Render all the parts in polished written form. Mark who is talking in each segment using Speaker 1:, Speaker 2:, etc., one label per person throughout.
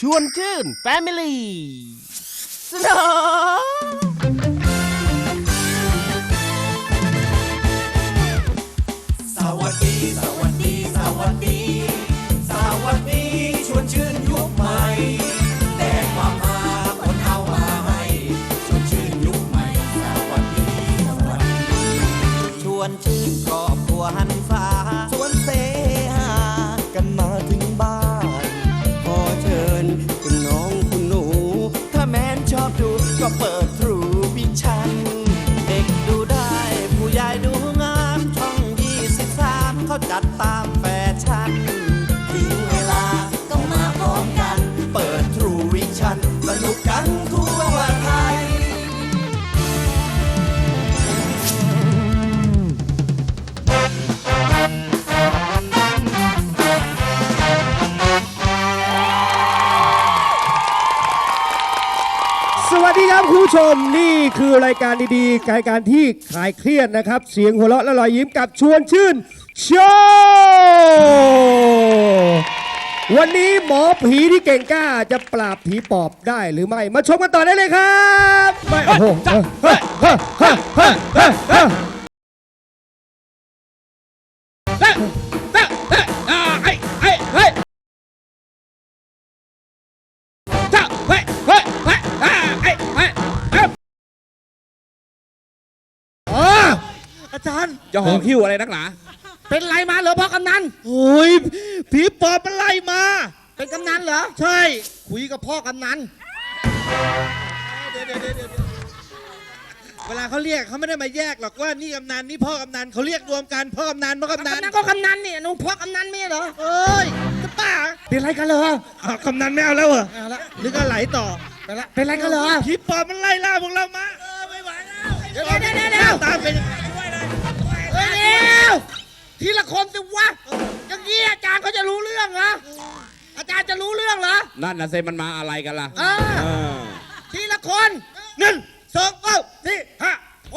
Speaker 1: วนชื่นแฟมิลี่สนอ
Speaker 2: สวัสดีสวัสดีสวัสดีสวัสดีชวนชื่นยุคใหม่แต่ความหาคนเอามาให้ชวนชื่นยุคใหม่สวัสดีสวัสดีชวนชื่นครอบครัวหันฟ้าชวนเสหากันมาถึงบ้านขอเชิญคุณน้องคุณหนูถ้าแม้นชอบดูก็เปิดทรูวิชั่นเด็กดูได้ผู้ใหญ่ดูงามช่อง23เขาจัดตามแฟชั่นถึงเวลาก็มาพร้อมกันเปิดทรูวิชั่นสนุกกันทั่วไทย
Speaker 3: สวัสดีครับคุณผู้ชมนี่คือรายการดีๆรายการที่คลายเครียดนะครับเสียงหัวเราะและรอยยิ้มกับชวนชื่นโชว์วันนี้หมอผีที่เก่งกล้าจะปราบผีปอบได้หรือไม่มาชมกันต่อได้เลยครับไม่โอ้โหอาจารย์
Speaker 4: จะห่อคิ้วอะไรนักหนา
Speaker 3: เป็นไรมาเหรอพ่อกำนัน
Speaker 5: โอ้ยผีปอบมันไล่มา
Speaker 3: เป็นกำนันเหรอ
Speaker 5: ใช่
Speaker 3: คุยกับพ่อกำนัน
Speaker 5: เดี๋ยวเวลาเขาเรียกเขาไม่ได้มาแยกหรอกว่านี่กำนันนี่พ่อกำนันเขาเรียกรวมกันพ่อกำนันพ่อกำนัน
Speaker 3: กำนันก็กำนันนี่หนูพ่อกำนันไม่เหรอ
Speaker 5: เอ้ยจะป้า
Speaker 3: เป็นไรกันเหรอ
Speaker 5: อ้าวกำนันไม่เอาแล้วเหรอ
Speaker 3: เอาละ
Speaker 5: หรือก็ไหลต่อ
Speaker 3: เป็นไรกันเหรอ
Speaker 5: ผีปอบมันไล่ล่าพวกเรามาไม่ไหวแล้ว
Speaker 3: เดี๋ยว
Speaker 5: ตามไป
Speaker 3: เร็วทีละคนสิวะอย่างนี้อาจารย์เขาจะรู้เรื่องเหรออาจารย์จะรู้เรื่องเหรอ
Speaker 4: นั่นนะเซมันมาอะไรกันล่ะ
Speaker 3: เออทีละคน
Speaker 5: 1 2 3 4 5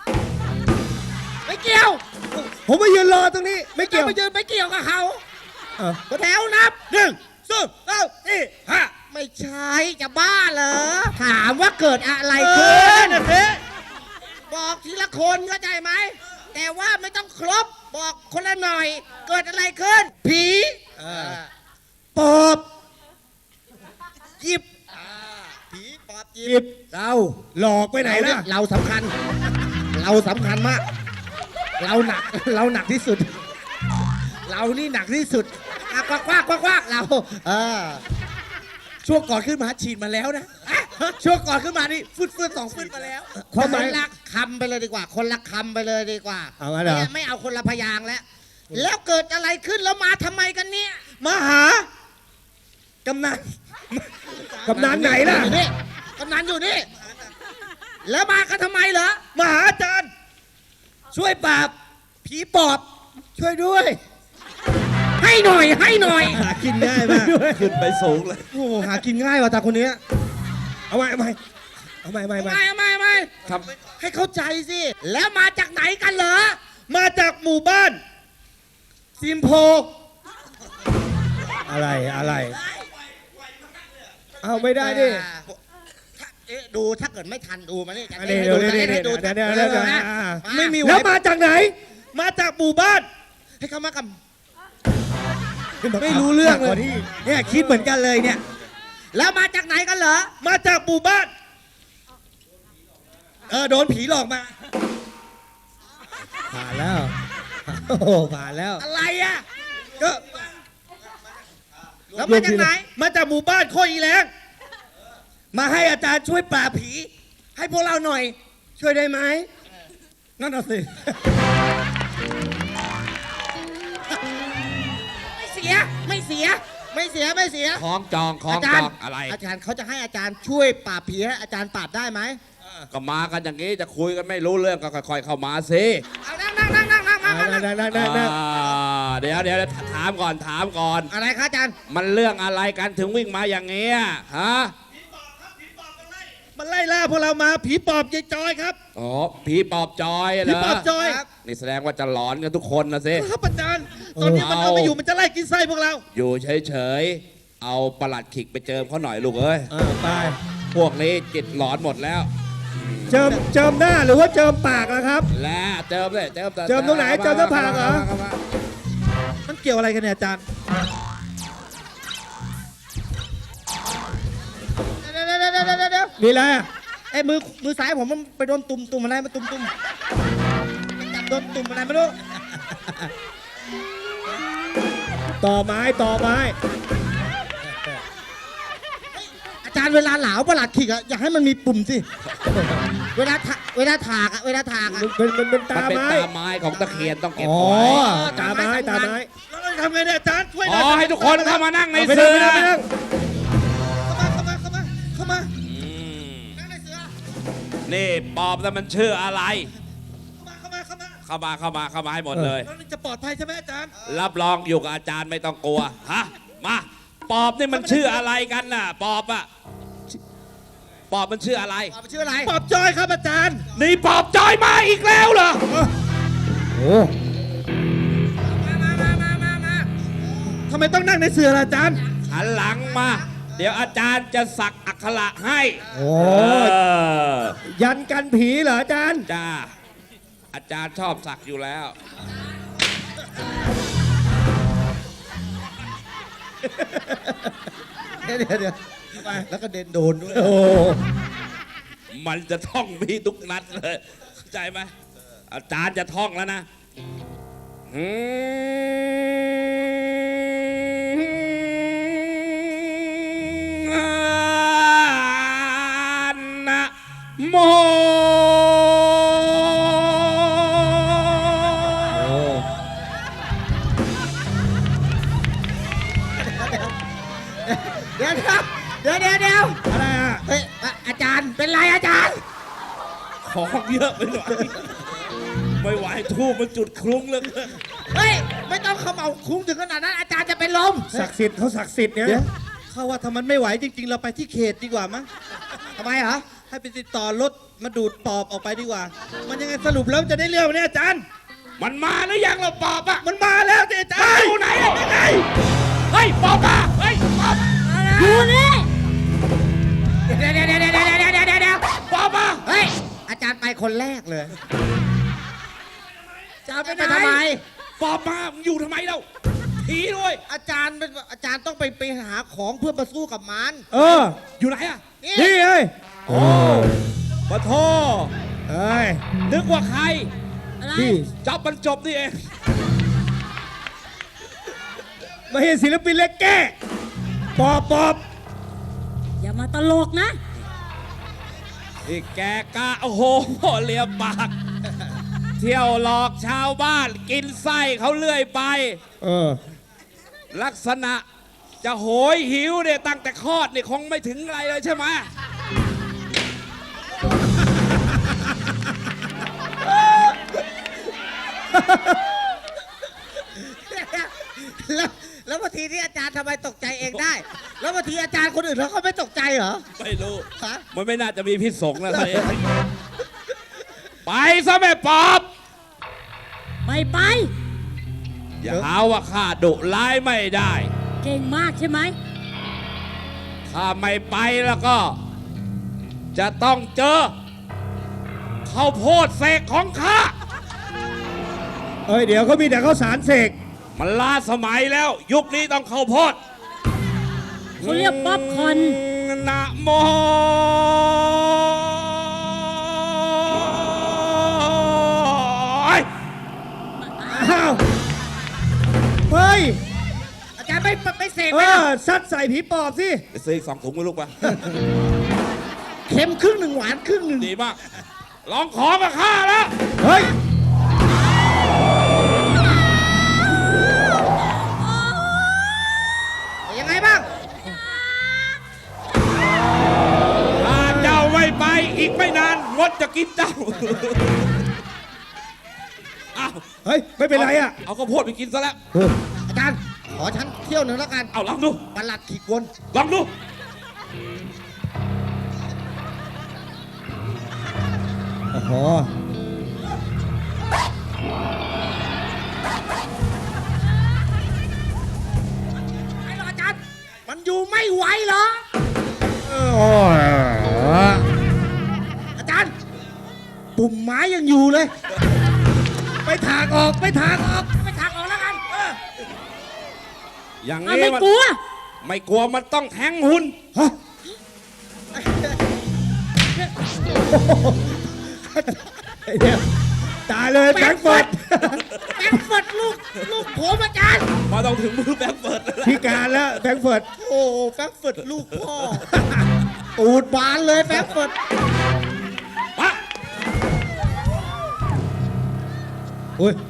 Speaker 5: 6
Speaker 3: ไม่เกี่ยว
Speaker 5: ผมมายืนรอตรงนี้ไม่เกี่ยว
Speaker 3: ไปยืนไปเกี่ยวกับเขา
Speaker 5: ตัวแถวนับ1 2 3 4 5
Speaker 3: ไม่ใช่จะบ้าเหรอถามว่าเกิดอะไรขึ้น
Speaker 5: นะเจ๊
Speaker 3: บอกทีละคนเข้าใจไหมแต่ว่าไม่ต้องครบบอกคนละหน่อย เกิดอะไรขึ้น ผีปอบหยิบผีปอบหยิบ
Speaker 5: เราหลอกไปไหนล่ะ
Speaker 3: เราสำคัญ เราสำคัญมาก เราหนักที่สุด เรานี่หนักที่สุดกว้างเรา
Speaker 5: ช่วงก่อนขึ้นมาฉีดมาแล้วนะช่วงก่อนขึ้นมานี่ฟืด2 ฟืดมาแล้ว
Speaker 3: คนละคำไปเลยดีกว่า คนละคำไปเลยดีกว่า
Speaker 5: เอางั้นเหรอ
Speaker 3: นี่ยไม่เอาคนละพยางค์แล้ว แล้วเกิดอะไรขึ้นแล้วมาทำไมกันเนี่ย
Speaker 5: มาหากำนันกำนันไหนล่ะ
Speaker 3: อยู่นี่กำนันอยู่นี่ แล้วมากันทำไมเหรอ
Speaker 5: มาหาอาจารย์ช่วยปราบผีปอบช่วยด้วย
Speaker 3: ให้หน่อย
Speaker 5: หากินง่ายมาก
Speaker 4: ขึ้นไปสูงเลย
Speaker 5: โอ้โหหากินง่ายว่ะตาคนนี้เอาใหม่
Speaker 3: ไม่
Speaker 4: ครับ
Speaker 5: ให้เข้าใจสิ
Speaker 3: แล้วมาจากไหนกันเหรอ
Speaker 5: มาจากหมู่บ้านซิมโพอะไรเอาไม่ได้ดิ
Speaker 3: ดูถ้าเกิดไม่ทันดูมานี่จะ
Speaker 5: อัน
Speaker 3: เล่
Speaker 5: นี้
Speaker 3: นให้ดู
Speaker 5: เดี๋ยว
Speaker 3: เล่นให้ดู
Speaker 5: นะ
Speaker 3: ไม่มี
Speaker 5: แล้วมาจากไหน มาจากหมู่บ้าน
Speaker 3: ให้เขามากับ
Speaker 5: ไม่รู้เรื่องเลยเนี่ยคิดเหมือนกันเลยเนี่ย
Speaker 3: แล้วมาจากไหนกันเหรอ
Speaker 5: มาจากหมู่บ้านโดนผีหลอกมาผ่านแล้วโอ้โหผ่านแล้ว
Speaker 3: อะไรอ่ะ
Speaker 5: ก็
Speaker 3: แล้วมาจากไหน
Speaker 5: มาจากหมู่บ้านโคอีแรงมาให้อาจารย์ช่วยปราบผี ให้พวกเราหน่อย ช่วยได้ไหมนั่นน่ะสิ
Speaker 3: ไม่เสีย
Speaker 4: คล้องจอง
Speaker 3: อาจารย์
Speaker 4: อะไร
Speaker 3: อาจารย์เขาจะให้อาจารย์ช่วยปราบผีให้อาจารย์ปราบได้ไหม
Speaker 4: ก็มากันอย่างนี้จะคุยกันไม่รู้เรื่องก็ค่อยๆเข้ามาสิ
Speaker 3: เอานั่งมา
Speaker 4: เดี๋ยวถามก่อน
Speaker 3: อะไรคะอาจารย์
Speaker 4: มันเรื่องอะไรกันถึงวิ่งมาอย่างเงี้ยฮะ
Speaker 5: มันไล่ล่าพวกเรามาผีปอบยายจอยครับ
Speaker 4: อ๋อผีปอบจอยเหร
Speaker 5: ผี
Speaker 4: อ
Speaker 5: ปอบจอย
Speaker 4: นี่แสดงว่าจะหลอนกันทุกคนนะสิ
Speaker 5: ครับอาจารย์ตอนนี้มันเอาไปอยู่มันจะไล่กินไส้พวกเรา
Speaker 4: อยู่เฉยเอาประหลัดขิกไปเจิมเขาหน่อยลูกเอ้ย
Speaker 5: ไป
Speaker 4: พวกนี้จิตหลอนหมดแล้ว
Speaker 5: เจิมหน้าหรือว่าเจิมปากนะครับ
Speaker 4: และเจิมเลยเจิม
Speaker 5: เจิมตรงไหนเจิมหน้าผากเหรอ
Speaker 4: ข้ม
Speaker 5: มันเกี่ยวอะไรกันเนี่ยอาจารย์
Speaker 3: เดี๋ยว
Speaker 5: มีอะไรอ่ะ
Speaker 3: ไอ้มือซ้ายผมมันไปโดนตุ่มอะไรมาตุ่มจับโดนตุ่มอะไรไม่รู้
Speaker 5: ต่อไม้
Speaker 3: อาจารย์เวลาเหลาประหลัดขิกอะอยากให้มันมีปุ่มสิ เวลาถากอะ
Speaker 5: เป็น
Speaker 4: มัน
Speaker 5: ตา
Speaker 4: เป็น
Speaker 5: ไม้
Speaker 4: ตาไม้ของตะเคียนต้องเก็บ
Speaker 5: อ๋อ
Speaker 4: ไว้
Speaker 5: ตาไม้แล้วเราทำไงเนี่ยอาจารย์ช่วยห
Speaker 4: อ๋
Speaker 5: น่
Speaker 4: อ
Speaker 5: อย
Speaker 4: ให้ทุกคนเข้ามานั่งใน
Speaker 5: ไม่
Speaker 4: เสื
Speaker 5: ได้
Speaker 4: อ
Speaker 5: ไม่ได้
Speaker 3: เข้ามา
Speaker 4: อืม
Speaker 3: นั่งในเสือ
Speaker 4: นี่ปอบแต่มันชื่ออะไร
Speaker 3: เข้ามา
Speaker 4: เข้ามาให้หมดเลย
Speaker 5: แล้วจะปลอดภัยใช่ไหมอาจารย์
Speaker 4: รับรองอยู่กับอาจารย์ไม่ต้องกลัว ฮะ มาปอบนี่มันชื่ออะไรกันน่ะ ปอบอะปอบมันชื่ออะไร
Speaker 3: ปอบชื่ออะไร
Speaker 5: ปลอบจอยครับอาจารย์
Speaker 4: นี่ปอบจอยมาอีกแล้วเหรอ
Speaker 5: โอ้
Speaker 3: มา
Speaker 5: ทำไมต้องนั่งในเสือล่ะอาจารย์
Speaker 4: หันหลังมา เดี๋ยวอาจารย์จะสักอักขระให้
Speaker 5: โอ้
Speaker 4: เออ
Speaker 5: ยันกันผีเหรออาจารย์
Speaker 4: จ้า อาจารย์ชอบสักอยู่แล้ว
Speaker 3: เดี๋ยวแล้วก็เด่นโดนด้วย
Speaker 5: โอ้
Speaker 4: มันจะท่องมีทุกนัดเลยเข้าใจไหมอาจารย์จะท่องแล้วนะนะโม
Speaker 3: เดี๋ยว
Speaker 5: อะไรอ่ะ
Speaker 3: เฮ้ยอาจารย์เป็นไรอาจารย์
Speaker 4: ของเยอะไปหน่อยไม่ไหวทูบมันจุดคลุ้งเลย
Speaker 3: เฮ้ยไม่ต้องเขม่าคุ้งถึงขนาดนั้นอาจารย์จะเป็นลม
Speaker 5: ศักดิ์สิทธิ์เขาศักดิ์สิทธิ์เนี่ย
Speaker 3: เดี๋ยว
Speaker 5: เขาว่าถ้ามันไม่ไหวจริง ๆ เราไปที่เขตดีกว่ามั้ง
Speaker 3: ทำไมเหรอ
Speaker 5: ให้ไปติดต่อรถมาดูดปอบออกไปดีกว่า มันยังไงสรุปแล้วจะได้เรื่องไหมเนี่ยอาจารย์
Speaker 4: มันมาหรือยังเราปอบอะ
Speaker 5: มันมาแล้วสิอาจารย์
Speaker 4: อยู่ไหนอะยังไงเฮ้ยปอบมาเฮ้ยปอบ
Speaker 3: อยู่นี่เดี๋ยว
Speaker 4: ปอบมา
Speaker 3: เฮ้ยอาจารย์ไปคนแรกเลยจะเอาไปทำไม
Speaker 4: ปอบมามึงอยู่ทำไมเราผีด้วย
Speaker 3: อาจารย์ต้องไปหาของเพื่อมาสู้กับมัน
Speaker 5: เออ
Speaker 4: อยู่ไหนอะ
Speaker 3: นี่
Speaker 5: นี่เอ้ย
Speaker 4: โอ้ปะโท
Speaker 5: เอ้ย
Speaker 4: นึกว่าใคร
Speaker 5: นี่
Speaker 4: จับมันจบนี่เอง
Speaker 5: มาเห็นศิลปินเล็กแก้ปอบ
Speaker 6: อย่ามาตลกนะ
Speaker 4: นี่แกกะโอ้โหเลียมปาก เที่ยวหลอกชาวบ้านกินไส้เขาเลื่อยไป
Speaker 5: เออ
Speaker 4: ลักษณะจะโหยหิวเนี่ยตั้งแต่คลอดเนี่ยคงไม่ถึงอะไรเลยใช่ไหม
Speaker 3: แล้วบางทีที่อาจารย์ทำไมตกใจเองได้ แล้วบางทีอาจารย์คนอื่นเขาไม่ตกใจเหรอ
Speaker 4: ไม่รู้
Speaker 3: ฮะ
Speaker 4: มันไม่น่าจะมีพิษสงฆ์แล้วเลยไปซะแม่ปอบ
Speaker 6: ไม่ไป
Speaker 4: อย่าหาว่าข้าดุร้ายไม่ได้
Speaker 6: เก่งมากใช่ไหม
Speaker 4: ถ้าไม่ไปแล้วก็ จะต้องเจอข้าวโพดเสกของข้า
Speaker 5: เอ้ยเดี๋ยวเขามีแต่ข้าวสารเสก
Speaker 4: มันล้าสมัยแล้ว ยุคนี้ต้องข้าวโพด
Speaker 6: เขาเรียกป๊อปคอร์น
Speaker 4: นะโม
Speaker 5: อ้าว เฮ้ย
Speaker 3: อาจารย์ไม่เสก
Speaker 5: เอ
Speaker 3: ไหมล่ะ
Speaker 5: อซัดใส่ผีปอบสิ
Speaker 4: ไปซื้ออีก2 ถุงมาลูกปะ
Speaker 3: เค็มครึ่งหนึ่งหวานครึ่งหนึ่ง
Speaker 4: ดีมาก ลองของกับข้าแล้ว
Speaker 5: เฮ้ย
Speaker 3: ยังไงบ้าง
Speaker 4: ถ้าเจ้าไม่ไปอีกไม่นานมดจะกินเจ้า เอา
Speaker 5: เฮ้ย ไม่เป็นไรอ่ะ
Speaker 4: เอาข้าวโพดไปกินซะแล้ว
Speaker 3: อาจารย์ขอฉันเที่ยวหนึ่งแล้วกัน
Speaker 4: เอาลองดู
Speaker 3: ประหลัดขีดวน
Speaker 4: ลองดู
Speaker 5: โอ้โห
Speaker 3: ไอ้หรออาจารย์ มันอยู่ไม่ไหวเหรอ อาจารย์ ปุ่มไม้ยังอยู่เลย
Speaker 5: ไปถากออกไปถากออก
Speaker 3: ไปถากออกแล้วกัน
Speaker 4: อย่าง
Speaker 6: อ่ะ
Speaker 4: นี้
Speaker 6: ไม่
Speaker 4: มัน
Speaker 6: กลัว
Speaker 4: ไม่กลัวมันต้องแทงหุ่น
Speaker 5: เนี่ยตายเลยแบงค์เฟิร์ด
Speaker 3: แบงค์เฟิร์ดลูกผมอาจารย์
Speaker 4: มาต้องถึงมือแบงค์เฟิร์ดแล้วล่ะ
Speaker 5: พิการแล้วแบงค์เฟิร์ด
Speaker 3: โอ้แบงค์เฟิร์ดลูกพ่อ ตูดบานเลยแบงค์เฟิร์ด
Speaker 4: มา
Speaker 5: อุ้ย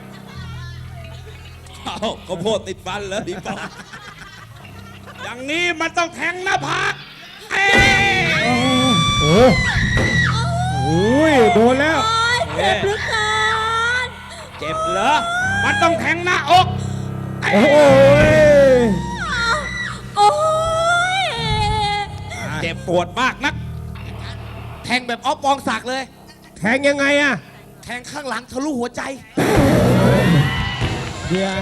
Speaker 4: เอาข้าวโพดติดฟันเลยดีป่ะอย่างนี้มันต้องแทงหน้าผากเอ้ย
Speaker 5: โอ้โอ้ยโดนแล้ว
Speaker 6: โอ๊ยเจ็บเหลือเกิน
Speaker 4: เจ็บเหรอ มันต้องแทงหน้าอก
Speaker 5: โอ้ย
Speaker 6: โอ้ย
Speaker 4: เจ็บปวดมากนัก
Speaker 3: แทงแบบออฟปองศักดิ์เลย
Speaker 5: แทงยังไงอะ
Speaker 3: แทงข้างหลังทะลุหัวใจ
Speaker 5: เดี๋ยว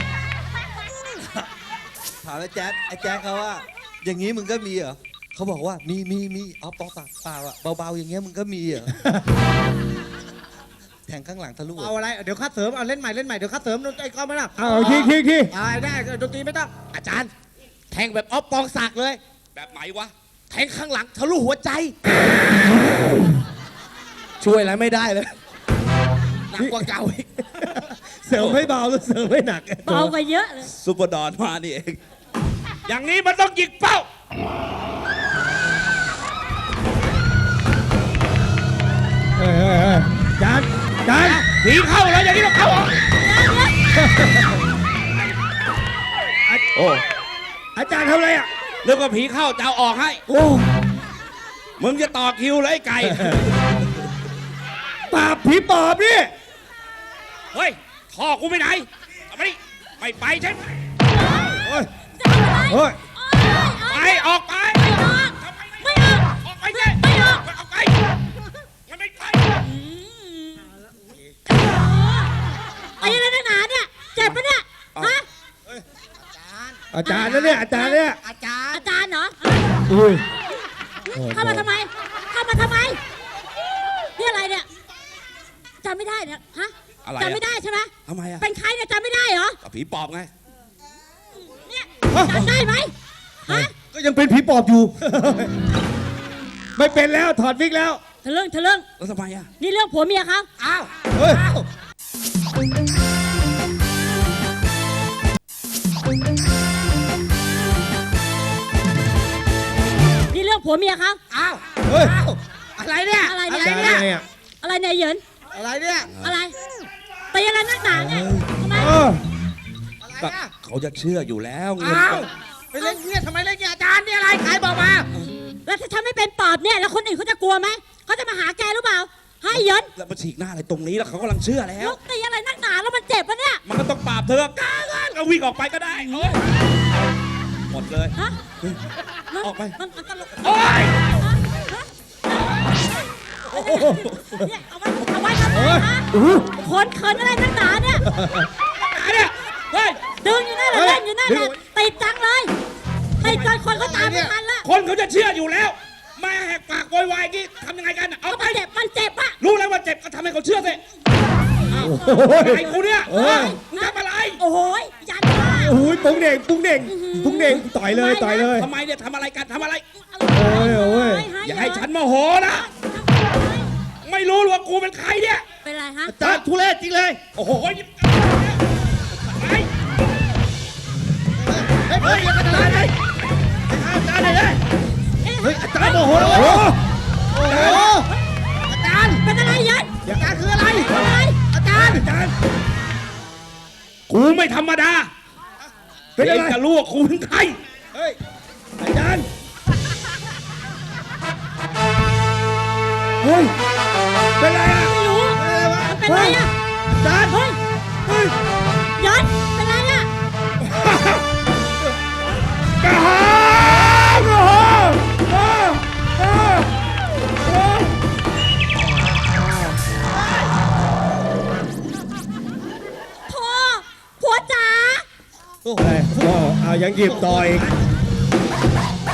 Speaker 7: ถามไอ้แจ๊ดเขาว่า อย่างนี้มึงก็มีเหรอเขาบอกว่ามีเอาปองศักดิ์เปล่าอะเบาๆอย่างเงี้ยมึงก็มีเหรอ แทงข้างหลังทะลุ
Speaker 3: เอาอะไร เดี๋ยวคัดเสริม เอาเล่นใหม่ เดี๋ยวคัดเสริมไอ้ก้อนไม่ได้
Speaker 5: เอาที
Speaker 3: ได้ดนตรีไม่ต้อง อาจารย์ แทงแบบออฟปองศักดิ์เลย
Speaker 4: แบบไหนวะ
Speaker 3: แทงข้างหลังทะลุหัวใจ ช่วยอะไรไม่ได้เลยหนักกว่าเก่าอีก
Speaker 5: เสริมไม่เบาแล้วเสริมไม่หนัก
Speaker 6: เบากว่าเยอะเลย
Speaker 4: ซุปเปอร์ดอนมานี่เอง อย่างนี้มันต้องยิงเป้า
Speaker 5: จานจาน
Speaker 4: ผีเข้าแล้วอย่างนี้ต้องเข้าออกโอ้
Speaker 5: อาจารย์ทำอะไรอ่ะ
Speaker 4: เรื่องว่าผีเข้าจะเอาออกให้
Speaker 5: โอ้
Speaker 4: มึงจะต่อคิวเลยไอ้ไก่
Speaker 5: ปราบผีปอบนี่
Speaker 4: เฮ้ยท่อกูไปไหนเอามาดิไม่ไปใช่ไหม
Speaker 5: โอ้ยโอ้ย
Speaker 4: ไปออกไป
Speaker 6: ไม่ออกไม่ออก
Speaker 4: ออกไปสิ
Speaker 6: ไม่ออก
Speaker 4: ออกไปมันไม่ไป
Speaker 6: ไอ้อะไรนักหนาเนี่ย เจ็บปะเนี่ย ฮะ
Speaker 5: อาจารย์นะเนี่ยอาจารย์เนี่ย
Speaker 3: อาจารย์
Speaker 6: อาจารย์เหรอ
Speaker 5: อุ้ย
Speaker 6: เข้ามาทำไม เข้ามาทำไม นี่อะไรเนี่ยจำไม่ได้เนี่ย ฮะ
Speaker 4: อะไร
Speaker 6: จำไม่ได้ใช่ไหม
Speaker 4: ทำไมอะ
Speaker 6: เป็นใครเนี่ยจำไม่ได้เหรอ
Speaker 4: กับผีปอบไง
Speaker 6: เนี่ยจำได้ไหมฮะ
Speaker 5: ก็ยังเป็นผีปอบอยู่ ไม่เป็นแล้วถอดวิกแล้ว
Speaker 6: ทะลึ่งทะลึ่ง
Speaker 4: แล้วทำไมอะ
Speaker 6: นี่เรื่องผัวเมียเขา
Speaker 3: อ้าว
Speaker 5: เฮ้ย
Speaker 6: นี่เรื่องผัวเมียเขา
Speaker 3: อ้าว
Speaker 5: เฮ้ย
Speaker 3: อ้าวอะไรเนี่ย
Speaker 6: อะไร
Speaker 5: อา
Speaker 6: เนี่ย
Speaker 5: จารย์ไงอ่ะ
Speaker 6: อะไรเนี่ยเหยิน
Speaker 3: อะไรเนี่ย
Speaker 6: อะไรตีอะไรนักหนาเนี่ยทำไม
Speaker 5: เออ
Speaker 3: อะไร
Speaker 4: ก็
Speaker 3: เนี่ย
Speaker 4: เขาจะเชื่ออยู่แล้วเงิน
Speaker 3: อ้าวไปเล่นเนี่ยทำไมเล่นเนี่ยอาจารย์นี่อะไรใครบอกมา
Speaker 6: แล้วถ้าฉันไม่เป็นปอบเนี่ย แล้วคนอื่นเขาจะกลัวไหม เขาจะมาหาแกหรือเปล่าให้เหยิน
Speaker 4: แล้วมาฉีกหน้าอะไรตรงนี้แล้วเขากำลังเชื่อแล้ว
Speaker 6: ลูกตีอะไรนักหนาแล้วมันเจ็บปะเนี่ย
Speaker 4: มันก็ต้องปราบเธอกล้าก็วิ่งออกไปก็ได้เอ้ยหมดเลย
Speaker 6: ฮะ
Speaker 4: ออกไป
Speaker 6: มันตลก
Speaker 4: โอ๊ย
Speaker 6: เนี่ยเอาไว้ทำไมฮะคนเขินอะไรนักหนาเนี่ย
Speaker 4: เนี่ยเฮ้ย
Speaker 6: ดึงอยู่นั่นแหละเล่นอยู่นั่นแหละติดจังเลยติดจนคนเขาตามไม่ทันละ
Speaker 4: คนเขาจะเชื่ออยู่แล้วแม่แหกปากโวยวายอย่างงี้ทำยังไงกันอะเอา
Speaker 6: ก็
Speaker 4: ไป
Speaker 6: มันเจ็บอะ
Speaker 4: รู้แล้วว่าเจ็บก็ทำให้เขาเชื่อสิไอ้กูเนี่ย
Speaker 5: เออ
Speaker 4: มึงทำอะไร
Speaker 6: โอ้โหยันว่า
Speaker 5: โอ้ยปุ้งเด่งปุ้งเด่งปุ้งเด่งต่อยเลยต่อยเลย
Speaker 4: ทำไมเนี่ยทำอะไรกันทำอะไร
Speaker 5: โอ้ยโอ้ย
Speaker 4: อย่าให้ฉันโมโหนะ ไม่รู้ว่ากูเป็นใครเนี่ย
Speaker 6: เป็นไรฮะ
Speaker 5: อาจารย์ทุเรศจริงเลย
Speaker 4: โอ้โหไป
Speaker 3: เฮ้ยอย่ากระดานเลยอาจารย์เลย
Speaker 5: เฮ้ยอาจารย์โอ้โหโอ้โห
Speaker 3: อาจารย์
Speaker 6: เป็นอะไรยัน
Speaker 3: อาจารย์คืออะไร
Speaker 6: เป็นอะไร
Speaker 3: อาจารย์
Speaker 5: อาจารย์
Speaker 4: กูไม่ธรรมดา
Speaker 5: เป็นอะไร
Speaker 4: จะรู้ว่ากูเป็นใคร
Speaker 5: เฮ้ยอาจารย์เฮ้ยเป็นไรอ่ะ
Speaker 6: ไม่รู้มันเป็นไรอะ
Speaker 5: อาจารย์
Speaker 6: เฮ้ย
Speaker 5: เฮ้ย
Speaker 6: ยันเป็นไรอะ
Speaker 5: กระหางโอ้โหโอ้โหโอ้โห
Speaker 6: พ่อผัวจ๋า
Speaker 5: โอ้โหเอายังหยิบต่อย
Speaker 3: อ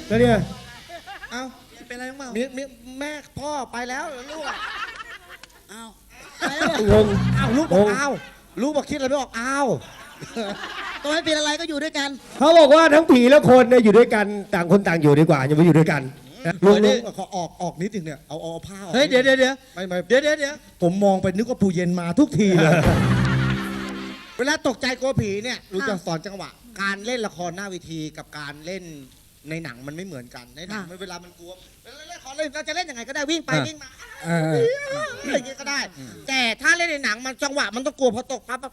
Speaker 5: แล้วเนี่ย
Speaker 7: เอ้าเป็นอะไรบ้าง
Speaker 3: มีแม่พ่อไปแล้วลูกอะ
Speaker 6: อ้าว
Speaker 5: งง
Speaker 3: อ้าวลูกบอกอ้าวลูกบอกคิดอะไรไม่ออกอ้าว
Speaker 6: ตัวไม่เป็นอะไรก็อยู่ด้วยกัน
Speaker 5: เขาบอกว่าทั้งผีและคนเนี่ยอยู่ด้วยกันต่างคนต่างอยู่ดีกว่าอย่าไปอยู่ด้วยกันลุง
Speaker 3: ขอออกนิดนึงเนี่ยเอาผ้าออก
Speaker 7: เฮ้ยเดี๋ยว
Speaker 3: ไม่
Speaker 7: เดี๋ยว
Speaker 3: ผมมองไปนึกว่าปูเย็นมาทุกทีเลย เวลาตกใจกลัวผีเนี่ยรู้จะสอนจังหวะ การเล่นละครหน้าเวทีกับการเล่นในหนังมันไม่เหมือนกันในหนังเวลามันกลัวเวลาเล่นละครเราจะเล่นยังไงก็ได้วิ่งไปวิ่งมาอะไรอย่างเงี้ยก็ได้ แต่ถ้าเล่นในหนังมันจังหวะมันต้องกลัวพอตกปั๊บ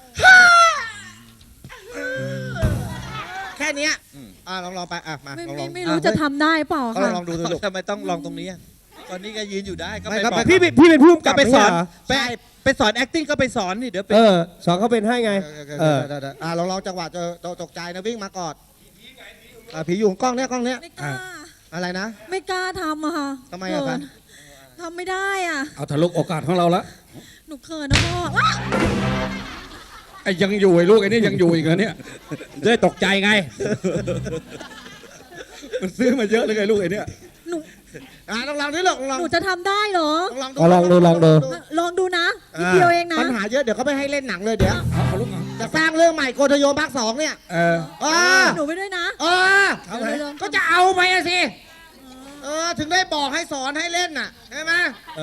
Speaker 3: แค่เนี้ยลองไปมา
Speaker 6: ไม่
Speaker 3: ลอง
Speaker 6: ไม่รู้จะทำได้เปล่า
Speaker 3: ก็
Speaker 6: ค่ะ
Speaker 3: ลองดูลูก
Speaker 7: ทำไมต้องลองตรงนี้อะตอนนี้ก็ยืนอยู่ได้ก็
Speaker 3: ไม่
Speaker 7: ไป
Speaker 3: ครับ
Speaker 7: บอก
Speaker 5: พี่เป็นผู้กำกับ
Speaker 7: ไปสอน
Speaker 5: ไม่ใช่เหร
Speaker 7: ไปสอน acting ก็ไปสอนนี่เดี๋ยวไป
Speaker 5: สอนเขาเป็นให้ไง
Speaker 3: ลองจังหวะจะตกใจนะวิ่งมากอดผีอยู่กล้องเนี้ย
Speaker 6: ไม่กล้า
Speaker 3: อะไรนะ
Speaker 6: ไม่กล้าทำอะค่ะ
Speaker 3: ทำไมอะคะ
Speaker 6: เขินทำไม่ได้อ่ะ
Speaker 4: เอาทะลุโอกาสของเราละ
Speaker 6: หนูเขินนะพ่อว้า
Speaker 4: ไอ้ยังอยู่ไอ้ลูกไอ้นี่ยังอยู่อีกเหรอเนี่ยได้ตกใจไง มันซื้อมาเยอะเลยไงลูกไอ้เนี่ย
Speaker 6: หนู
Speaker 3: ลองนี่หรอกลอง
Speaker 6: หนูจะทำได้เหรอ
Speaker 3: ลอง
Speaker 5: ลองดู
Speaker 6: ลองดูนะนิดเดียวเองนะ
Speaker 3: ปัญหาเยอะเดี๋ยวเขาไม่ให้เล่นหนังเลยเดี๋ยว
Speaker 4: เอาลูกเอา
Speaker 3: จะสร้างเรื่องใหม่โกธโยมภาค 2เนี่ย
Speaker 6: หนูไปด้วยนะ
Speaker 3: ก็จะเอาไปอะสิถึงได้บอกให้สอนให้เล่นน่ะใช่ไหม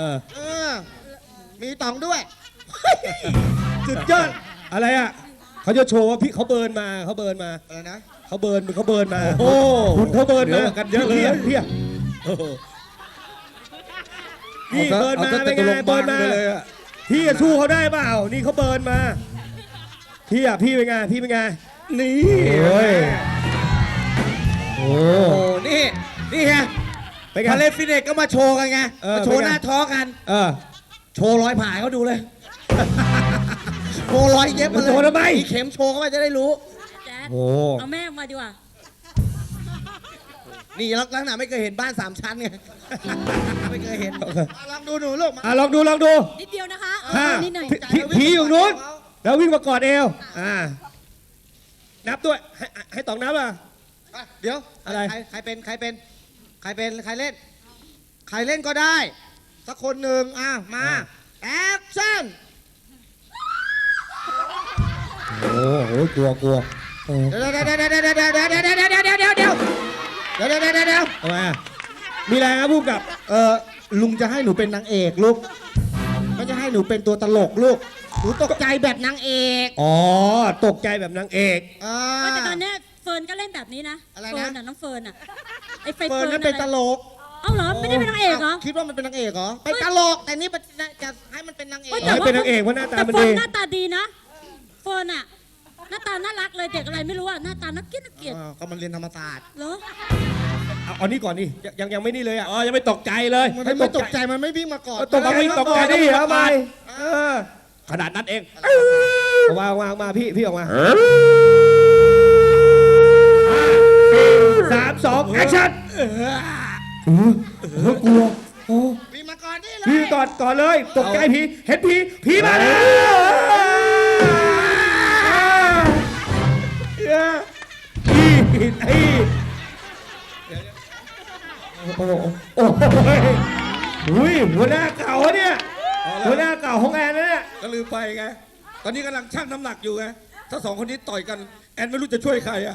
Speaker 3: มีต๋องด้วย
Speaker 5: สุดยอดอะไรอ่ะเขาจะโชว์ว่าพี่เขาเบิร์นมา
Speaker 3: อะไรนะ
Speaker 5: เขาเบิร์นมา
Speaker 4: โอ้
Speaker 5: คุณเขาเบิร์นมา
Speaker 4: กันเยอะเลย
Speaker 5: พี่เบิร์นมาเป็นไงเบิร์นมา
Speaker 4: ไปเลยอะ
Speaker 5: พี่จะสู้เขาได้เปล่านี่เขาเบิร์นมาพี่เป็นไง
Speaker 4: นี่
Speaker 5: นี่โอ้ยโอ้
Speaker 3: โอ้นี่ไง
Speaker 5: เป็นไง
Speaker 3: พาเล่นฟิตเนสก็มาโชว์กันไงมาโชว์หน้าท้องกัน โชว์รอยผ่าให้เขาดูเลย โชว์รอยเย็บมาเลย
Speaker 5: โชว์ทำไม
Speaker 3: มีเข็มโชว์เข้าไปจะได้รู้
Speaker 6: แจ๊ด
Speaker 5: โอ้
Speaker 6: เอาแม่มาดีกว่า
Speaker 3: นี่ลักษณะไม่เคยเห็นบ้าน3 ชั้นไง ไม่เคยเห็นลองดูหนูลูกมา
Speaker 5: ลองดู
Speaker 6: นิดเดียวนะคะ
Speaker 5: ห้า
Speaker 6: นิดหน่อย
Speaker 5: ผีอยู่นู้นแล้ววิ่งมากอดเอวนับด้วยให้ต๋องนับอ่ะ
Speaker 3: เดี๋ยว
Speaker 5: อะไร
Speaker 3: ใครเล่น ใครเล่นก็ได้ สักคนหนึ่งมาแอคชั่น
Speaker 5: โอ้โหกลัว
Speaker 3: เดี๋ยว
Speaker 5: ทำไมอ่ะมีอะไรครับผู้กำกับ
Speaker 3: ลุงจะให้หนูเป็นนางเอกลูกไม่จะให้หนูเป็นตัวตลกลูกหนูตกใจแบบนางเอก
Speaker 5: อ๋อตกใจแบบนางเอก
Speaker 6: แต่ตอนเนี้ยเฟิร์นก็เล่นแบบนี้นะ
Speaker 3: อะไรนะ
Speaker 6: เฟิร์นอ่ะน้องเฟิร์นอ่ะไอ้ไฟ
Speaker 3: เฟิร์นนั่นเป็นตลก
Speaker 6: เอ้าเหรอไม่ได้เป็นนางเอกเหรอ
Speaker 3: คิดว่ามันเป็นนางเอกเหรอเป็นตลกแต่นี่จะให้มันเป็นนางเอก
Speaker 5: ให้เป็นนางเอกเพราะหน้าตามัน
Speaker 6: แต่เฟิ
Speaker 5: ดี
Speaker 6: ร์นหน้าตาดีนะเฟิร์นอ่ะหน้าตาน่ารักเลยเด็กอะไรไม่รู้อ่ะหน้าตาน่าเกลียด
Speaker 3: ก็มันเรียนธรรมศาสตร์
Speaker 6: เหรอ
Speaker 5: เอานี่ก่อนนี่ยังไม่นี่เลยอ่ะ
Speaker 4: อ๋อยังไม่ตกใจเลย
Speaker 3: มันไม่ตกใจมันไม่วิ่งมาก่อน
Speaker 5: ตกมาวิ่งตกใจดิทำไม
Speaker 4: ขนาดนั้นเอง
Speaker 5: วางมาพี่ออกมา3 2แอคชั่นกลัว
Speaker 3: วิ่งมาก่อนนี่เลย
Speaker 5: พี่ก่อนเลยตกใจผีเห็นผีมาแล้วโอ้ยหัวหน้าเก่าเนี่ยหัวหน้าเก่าของแอนนะเนี่ย
Speaker 4: ก็ลืมไปไง ตอนนี้กำลังชั่งน้ำหนักอยู่ไง ถ้า2 คนนี้ต่อยกัน แอนไม่รู้จะช่วยใครอ่ะ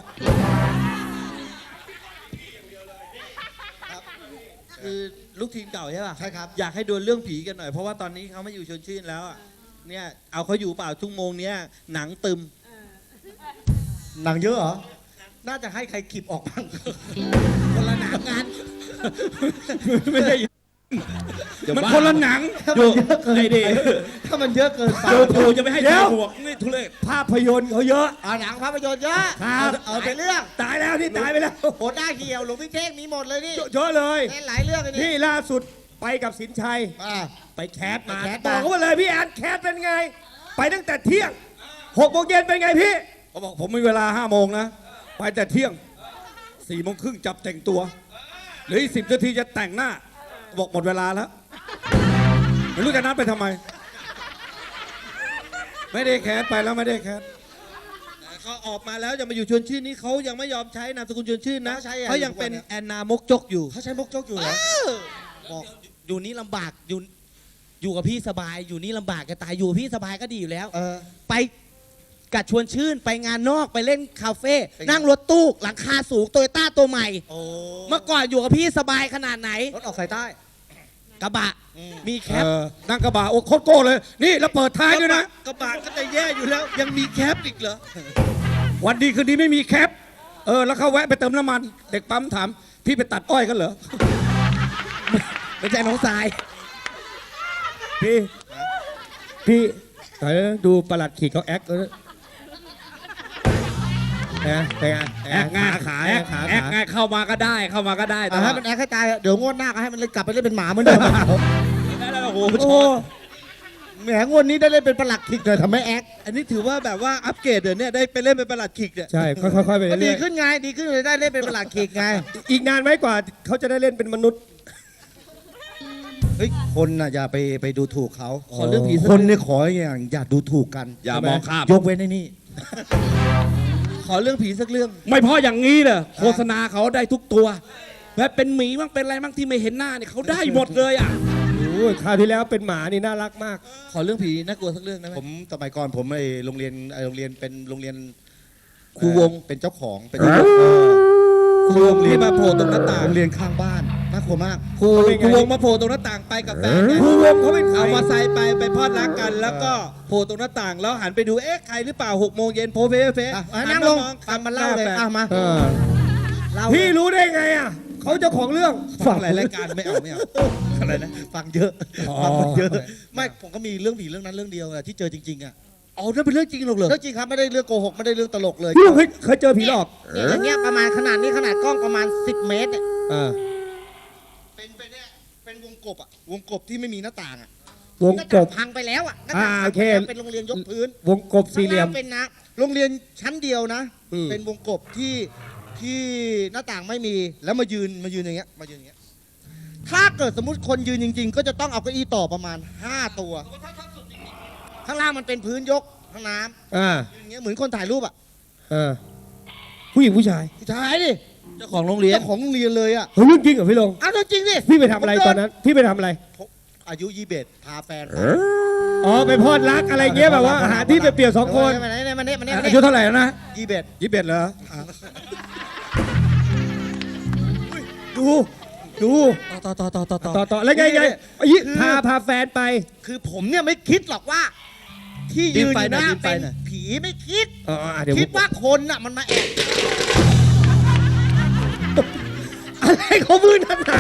Speaker 7: คือลูกทีมเก่าใช่ป่ะ
Speaker 3: ใช่ครับ
Speaker 7: อยากให้ดวลเรื่องผีกันหน่อยเพราะว่าตอนนี้เขาไม่อยู่ชวนชื่นแล้วอะเนี่ยเอาเขาอยู่เปล่าชั่วโมงเนี้ยหนังตึม
Speaker 3: หนังเยอะเหรอ น่าจะให้ใครขีบออกบ้าง คนละหนังงาน
Speaker 4: ไม่ใช่มันคนละหนัง
Speaker 5: อยู่ไอ้ดิ
Speaker 3: ถ้ามันเยอะเกินไป
Speaker 4: จู่ๆจะไม่ให้
Speaker 5: เดี๋
Speaker 4: ใส่
Speaker 5: ยว
Speaker 4: หมวกนี่ทุเรศ
Speaker 5: ภาพยนตร์เขาเยอะ
Speaker 3: หนังภาพยนตร์เยอะ
Speaker 5: ครับ
Speaker 3: เอาไปเรื่อง
Speaker 5: ตายแล้วนี่ตายไปแล้ว
Speaker 3: โหดหน้าเหี่ยวหลวงพี่เท่งมีหมดเลยนี่
Speaker 5: เยอะเลย
Speaker 3: เล่นหลายเรื่องเลย
Speaker 5: นี่
Speaker 3: นี่
Speaker 5: ล่าสุดไปกับสินชัย ไปแคสมา
Speaker 3: ไปแคส
Speaker 5: บ
Speaker 3: มา
Speaker 5: อกเขามาเลยพี่แอนแคสเป็นไง ไปตั้งแต่เที่ยง6 โมงเย็นเป็นไงพี่
Speaker 4: เขาบอกผมมีเวลา5 โมงนะ ไปแต่เที่ยง4 โมงครึ่งจับแต่งตัวเหลืออีก10 นาทีจะแต่งหน้า บอกหมดเวลาแล้ว ไม่รู้จะนัดไปทำไม ไม่ได้แคสไปแล้วไม่ได้แคส
Speaker 3: แ
Speaker 5: เขาออกมาแล้วจะมาอยู่ชวนชื่นนี่เขายังไม่ยอมใช้นามสกุลชวนชื่นนะ
Speaker 3: เขาใช้อะไร
Speaker 5: เขายังเป็นแอนนามกจกอยู่
Speaker 3: เขาใช้มกจกอยู่เหรอ
Speaker 1: บอกอยู่นี่ลำบากอยู่กับพี่สบายอยู่นี่ลำบากจะตายอยู่กับพี่สบายก็ดีอยู่แล้ว ไปกัดชวนชื่นไปงานนอกไปเล่นคาเฟ่นั่งรถตู้หลังคาสูงโตโยต้าตัวใหม่ เมื่อก่อนอยู่กับพี่สบายขนาดไหน
Speaker 3: รถออกสายใต้
Speaker 1: กระบะมีแคป
Speaker 4: นั่งกระบะโอ้โคตรโก้เลย นี่แล้วเปิดท้ายด้วยนะ
Speaker 5: กระบะก็จะแย่อยู่แล้ว ยังมีแคปอีกเหรอ
Speaker 4: วันดีคืนดีไม่มีแคป แล้วเขาแวะไปเติมน้ำมัน เด็กปั๊มถาม พี่ไปตัดอ้อยกันเหรอ
Speaker 1: ไม่ใช่น้องทราย
Speaker 8: พี่ดูประหลัดขีดเขาแอคเลยนะเป็นไง
Speaker 4: แอกง่าย
Speaker 8: ขา
Speaker 4: แอก
Speaker 8: ขา
Speaker 4: แอกง่ายเข้ามาก็ได้เข้ามาก็ได้
Speaker 3: ให้มันแอคให้ตายเดี๋ยวงวดหน้าก็ให้มันกลับไปเล่นเป็นหมาเหมือนเดิม
Speaker 4: โอ้โห
Speaker 3: โอ้แหมงวดนี้ได้เล่นเป็นประหลักขิกเลยทำให้แอค
Speaker 5: อันนี้ถือว่าแบบว่าอัปเกรดเดี๋ยวนี้ได้ไปเล่นเป็นประหลัดขิกเนี่ย
Speaker 8: ใช่ค่อยๆไป
Speaker 3: ก็ดี
Speaker 8: เรื่อย
Speaker 3: ขึ้นไงดีขึ้นเลยได้เล่นเป็นประหลักขิกไง
Speaker 8: ๆอีกนานไหมกว่าเขาจะได้เล่นเป็นมนุษย์
Speaker 3: เฮ้ยคนน่ะอย่าไปดูถูกเขา
Speaker 5: ขอเรื่องผีสัก
Speaker 3: คนเนี่ยขออย่างอย่าดูถูกกัน
Speaker 4: อย่ามองข้าม
Speaker 3: ยกเว้นไอ้นี่
Speaker 5: ขอเรื่องผีสักเรื่อง
Speaker 4: ไม่พออย่างนี้เลยโฆษณาเขาได้ทุกตัวแบบเป็นหมีบ้างเป็นอะไรบ้างที่ไม่เห็นหน้าเนี่ยเขาได้หมดเลยอ่ะ
Speaker 8: โอ้ยคราวที่แล้วเป็นหมานี่น่ารักมาก
Speaker 5: ขอเรื่องผีน่ากลัวสักเรื่องได้ไหม
Speaker 3: ผมสมัยก่อนผมไอโรงเรียนเป็นโรงเรียน
Speaker 5: ครูวง
Speaker 3: เป็นเจ้าของเป็น
Speaker 5: ครูวงที่มาโผล่ตรงหน้าต่าง
Speaker 3: โรงเรียนข้างบ้านน่ากลัวมาก
Speaker 5: ครูวงมาโผล่ตรงหน้าต่างไปกับแฟนไง
Speaker 8: ครูวงเขาเป็นใคร
Speaker 5: เอามาใส่ไปพอดรักกัน แล้วก็โผล่ตรงหน้าต่างแล้วหันไปดูเอ๊ะใครหรือเปล่า6 โมงเย็นโพเฟเฟ
Speaker 3: อ่ะนั่งลงฟังมันเล่าเลยอ่ะมา
Speaker 8: เออ
Speaker 3: เล่า
Speaker 8: พี่รู้ได้ไงอ่ะเขาเจ้าของเรื่อง
Speaker 5: ฟังหลายรายการไม่เอาอะไรนะ
Speaker 3: ฟังเยอะฟังมันเยอะ ไม่ผมก็มีเรื่องผีเรื่องนั้นเรื่องเดียวอะที่เจอจริงๆอะ
Speaker 5: อ๋อนั่นเป็นเรื่องจริงหรอกเหรอ
Speaker 3: เรื่องจริงครับไม่ได้เรื่องโกหกไม่ได้เรื่องตลกเลย
Speaker 8: พี่เคยเจอผีหลอก
Speaker 3: เนี่ยอย่างเงี้ยประมาณขนาดนี้ขนาดกล้องประมาณ10 เมตรเนี่ย
Speaker 8: อ่า
Speaker 3: เป็นเนี่ยเป็นวงกบอะวงกบที่ไม่มีหน้าต่างอะ
Speaker 8: วง
Speaker 3: หน้าก ต่าง
Speaker 8: บ
Speaker 3: พังไปแล้วอะหน้าต่าง
Speaker 8: โอเค
Speaker 3: พังไปแล้วเป็นโรงเรียนยกพื้น
Speaker 8: วงกบสี่เหลี่ยม
Speaker 3: ข้างางเป็นนะโรงเรียนชั้นเดียวนะ
Speaker 8: อืม
Speaker 3: เป็นวงกบที่หน้าต่างไม่มีแล้วมายืนอย่างเงี้ยมายืนอย่างเงี้ยถ้าเกิดสมมติคนยืนจริง ๆ ก็จะต้องเอาเก้าอี้ต่อประมาณ5 ตัว ข้างล่างมันเป็นพื้นยกห้องน้ำ
Speaker 8: อ่า
Speaker 3: อย่างเงี้ยเหมือนคนถ่ายรูปอ่ะ
Speaker 8: อ่าผู้หญิงผู้ชาย
Speaker 3: ผู้ชายดิ
Speaker 5: เจ้าของโรงเรียน
Speaker 3: เจ้าของโรงเรียนเลยอ่ะ
Speaker 8: เฮ้ยเรื่องจริงเหรอพี่ลง
Speaker 3: เอาจริงดิ
Speaker 8: พี่ไปทำอะไรตอนนั้น พี่ไปทำอะไร
Speaker 3: อายุ21พาแฟน
Speaker 8: อ๋อไปพอดรักอะไรเงี้ยแบบว่าหาที่ไปเปลี่ยนสองคน
Speaker 3: มาเนี่ย
Speaker 4: อายุเท่าไหร่แล้วนะ
Speaker 3: 21
Speaker 4: 21เหรอ
Speaker 8: ดู ต่อแล้วไงยี่พาแฟนไป
Speaker 3: คือผมเนี่ยไม่คิดหรอกว่า ที่ยืนอยู่หน้า
Speaker 5: ดิ้นไป
Speaker 3: เป็น
Speaker 5: หน่อย
Speaker 3: ผีไม่คิด
Speaker 8: เดี๋ยว
Speaker 3: คิดว่าคนน่ะมันมาแอบ
Speaker 8: อะไรเขามือนั่นน่ะ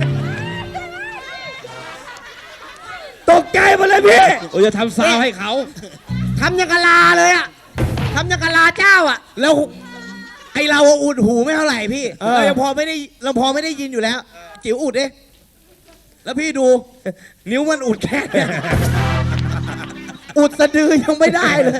Speaker 8: ตกใจหมดเลยพี่
Speaker 4: โอ้ยจะทำซาวให้เขา
Speaker 3: ทำยังกะลาเลยอ่ะทำยังกะลาเจ้าอ่ะ
Speaker 1: แล้วไอเราอะอุดหูไม่เท่าไหร่พี่
Speaker 8: เออ
Speaker 1: เรายังพอไม่ได้ยินอยู่แล้ว จิ๋วอุดเด้แล้วพี่ดู นิ้วมันอุดแค่เนี่ยอุดสะดือยังไม่ได้เลย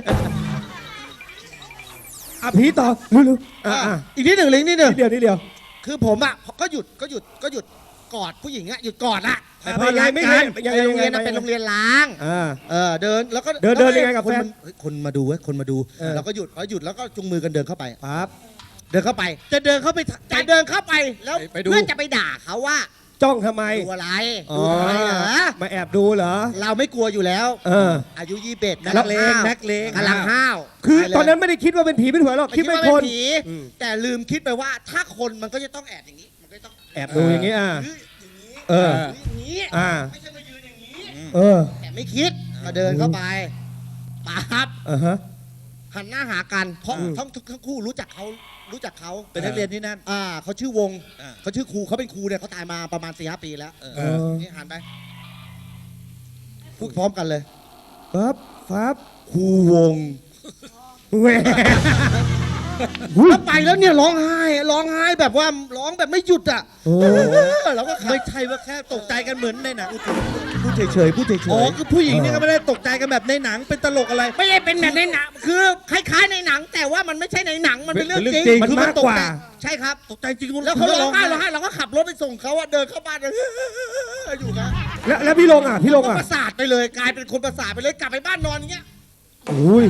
Speaker 8: อ่ะผีต่อเร็วๆอ่ะ
Speaker 3: อีกนิดหนึ่งลิงนิดหนึ่ง
Speaker 8: นิดเดียว
Speaker 3: คือผมอ่ะก็หยุดกอดผู้หญิงอ่ะหยุดกอดอ่ะ
Speaker 8: ไปพอรักกัน
Speaker 3: ในโรงเรียนน่ะเป็นโรงเรียนล้าง เดินแล้วก็
Speaker 8: เดินยังไงกับแฟน
Speaker 3: คนมาดูเว้ยคนมาดู เราก็หยุดแล้วก็จุงมือกันเดินเข้าไป
Speaker 8: ปั๊บ
Speaker 3: เดินเข้าไป จะเดินเข้าไปแล้ว
Speaker 4: ไปดู
Speaker 3: เพื่อจะไปด่าเขาว่า
Speaker 8: จ้องทำไม
Speaker 3: ดูอะไร
Speaker 8: อ๋อ
Speaker 3: ดูอะไรเหรอ
Speaker 8: มาแอบดูเหรอ
Speaker 3: เราไม่กลัวอยู่แล้ว อายุ21
Speaker 5: นักเลง
Speaker 3: กำลังห้าว
Speaker 8: คือตอนนั้นไม่ได้คิดว่าเป็นผีเป็นหัวหรอก คิด
Speaker 3: ไม่
Speaker 8: เป็น
Speaker 3: คิด
Speaker 8: ค
Speaker 3: ว่าน ผี
Speaker 8: อืม
Speaker 3: แต่ลืมคิดไปว่าถ้าคนมันก็จะต้องแอบอย่างนี้มันก็ต้อง
Speaker 8: แอบดูอย่างนี้
Speaker 3: อย่างนี้
Speaker 8: เออ
Speaker 3: อย่างนี้ ไม่ใช่มายืนอย่างนี้
Speaker 8: เออ
Speaker 3: แต่ไม่คิดก็เดินเข้าไปปั๊บ
Speaker 8: ฮะ
Speaker 3: หันหน้าหากันเพราะทั้งคู่รู้จักเขา
Speaker 5: เป็นนักเรียนที่นั่น
Speaker 3: เขาชื่อวง
Speaker 5: อ่า
Speaker 3: เขาชื่อครูเขาเป็นครูเนี่ยเขาตายมาประมาณ4-5 ปีแล้ว นี่หันไปพูดพร้อมกันเลย
Speaker 8: ปั๊บ
Speaker 3: ครูวง
Speaker 8: แหว
Speaker 3: แล้วไปแล้วเนี่ยร้องไห้แบบว่าร้องแบบไม่หยุดอ่ะ
Speaker 8: โอ้
Speaker 3: เราก็ขับ
Speaker 5: ไม่ใช่ว่าแค่ตกใจกันเหมือนในหนัง
Speaker 3: พูดเฉยๆพูดเฉย
Speaker 5: อ๋อคือผู้หญิงนี่ก็ไม่ได้ตกใจกันแบบในหนังเป็นตลกอะไร
Speaker 3: ไม่ได้เป็นแบบในหนังคือคล้ายๆในหนัง แต่ว่ามันไม่ใช่ในหนังมันเป็นเรื่องจริง
Speaker 8: มันมากกว่า
Speaker 3: ใช่ครับ
Speaker 5: ตกใจจริง
Speaker 3: แล้วเขาร้องไห้เราก็ขับรถไปส่งเขาอะเดินเข้าบ้านเลยอยู่นะ
Speaker 8: แล้วพี่ลงอ่ะ
Speaker 3: ประสาทไปเลยกลายเป็นคนประสาทไปเลยกลับไปบ้านนอนอย่างเงี้ย
Speaker 8: โอ้ย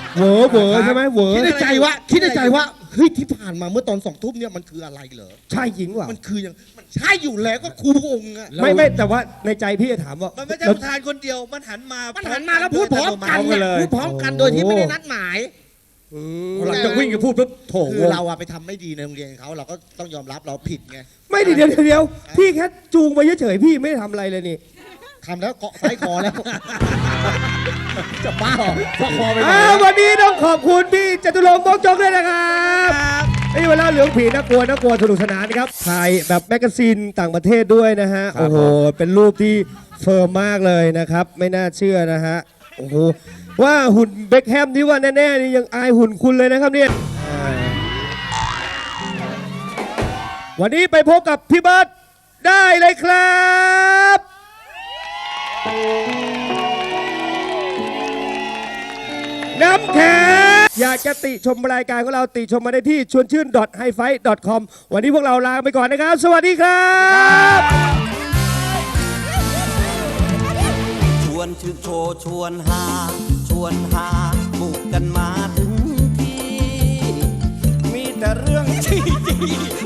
Speaker 8: เหวอเหวอใช่ไหมเหวอ
Speaker 3: คิดในใจว่าเฮ้ยที่ผ่านมาเมื่อตอน2 ทุ่มเนี่ยมันคืออะไรเหรอ
Speaker 8: ใช่จริงว่ะ
Speaker 3: มันคืออย่างมันใช่อยู่แล้วก็ครูองค์อะ
Speaker 8: ไม่แต่ว่าในใจพี่จะถามว่า
Speaker 5: มันไม่ใช่ประธานคนเดียว มันหันมา
Speaker 3: มันหันมาแล้วพูดพร้อมกัน
Speaker 8: พร้อมกันเลย
Speaker 3: พูดพร้อมกันโดยที่ไม่ได้นัดหมาย
Speaker 4: หลังจากวิ่งกันพูดปุ๊บโถ
Speaker 3: คือเราอะไปทำไม่ดีในโรงเรียนเขาเราก็ต้องยอมรับเราผิดไง
Speaker 8: ไม่ดิเดี๋ยวพี่แค่จูงไปเฉยๆพี่ไม่ได้ทำอะไรเลยนี่
Speaker 3: ทำแล้วเกาะไส้คอแล้ว จะบ้าเหรอเกาะคอไปเลย
Speaker 8: วันนี้ต้องขอบคุณพี่จตุรงค์ มกจกด้วยนะครับนี่เวลาเหลืองผีน่ากลัวสนุกสนานนะครับถ่ายแบบแมกกาซีนต่างประเทศด้วยนะฮะโอ้โหเป็นรูปที่เฟิร์มมากเลยนะครับไม่น่าเชื่อนะฮะโอ้โหว่าหุ่นเบคแฮมที่ว่าแน่ๆนี่ยังอายหุ่นคุณเลยนะครับเนี่ยวันนี้ไปพบกับพี่เบิร์ตได้เลยครับน้ำแข็งอยากจะติชมรายการของเราติชมมาได้ที่ชวนชื่น .hifi.com วันนี้พวกเราลาไปก่อนนะครับ สวัสดีครับ
Speaker 2: ชวนชื่นโชว์ชวนหาบุกกันมาถึงที่ มีแต่เรื่องที่ดี